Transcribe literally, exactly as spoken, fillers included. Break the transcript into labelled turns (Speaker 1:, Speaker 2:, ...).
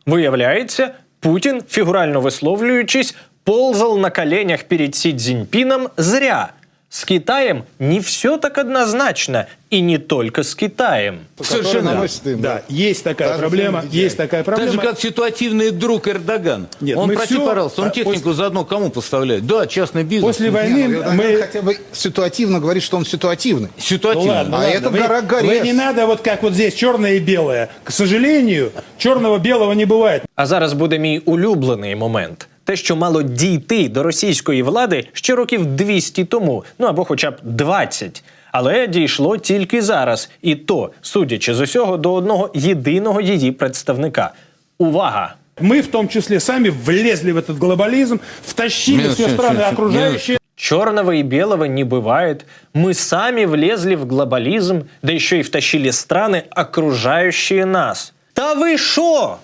Speaker 1: Виявляється, Путін, фігурально висловлюючись, ползал на коленях перед Си Цзиньпином зря. С Китаем не все так однозначно, и не только с Китаем.
Speaker 2: Совершенно.
Speaker 3: Им,
Speaker 2: да.
Speaker 3: да,
Speaker 2: есть такая
Speaker 3: Даже
Speaker 2: проблема, есть такая проблема.
Speaker 4: Так же, как ситуативный друг Эрдоган.
Speaker 2: Нет,
Speaker 4: он,
Speaker 2: мы
Speaker 4: прости,
Speaker 2: все,
Speaker 4: пожалуйста, он
Speaker 2: а,
Speaker 4: технику
Speaker 2: после...
Speaker 4: заодно кому поставляет? Да, частный бизнес.
Speaker 2: После войны
Speaker 3: Не, ну,
Speaker 2: мы...
Speaker 3: хотя бы ситуативно говорит, что он ситуативный.
Speaker 4: Ситуативно.
Speaker 2: Ну, ладно,
Speaker 3: А
Speaker 2: ладно.
Speaker 3: это
Speaker 2: вы,
Speaker 3: гора Горец.
Speaker 2: вы не надо вот как вот здесь черное и белое. К сожалению, черного-белого не бывает.
Speaker 1: А зараз буде мій улюблений момент. Те, що мало дійти до російської влади ще років двісті тому, ну або хоча б двадцять. Але дійшло тільки зараз. І то, судячи з усього, до одного єдиного її представника. Увага!
Speaker 2: Мы в том числе сами влезли в этот глобализм, втащили
Speaker 4: Минус,
Speaker 2: все
Speaker 4: минус,
Speaker 2: страны
Speaker 4: минус,
Speaker 2: окружающие.
Speaker 1: Черного и белого не бывает. Мы сами влезли в глобализм, да еще и втащили страны, окружающие нас. Та вы шо?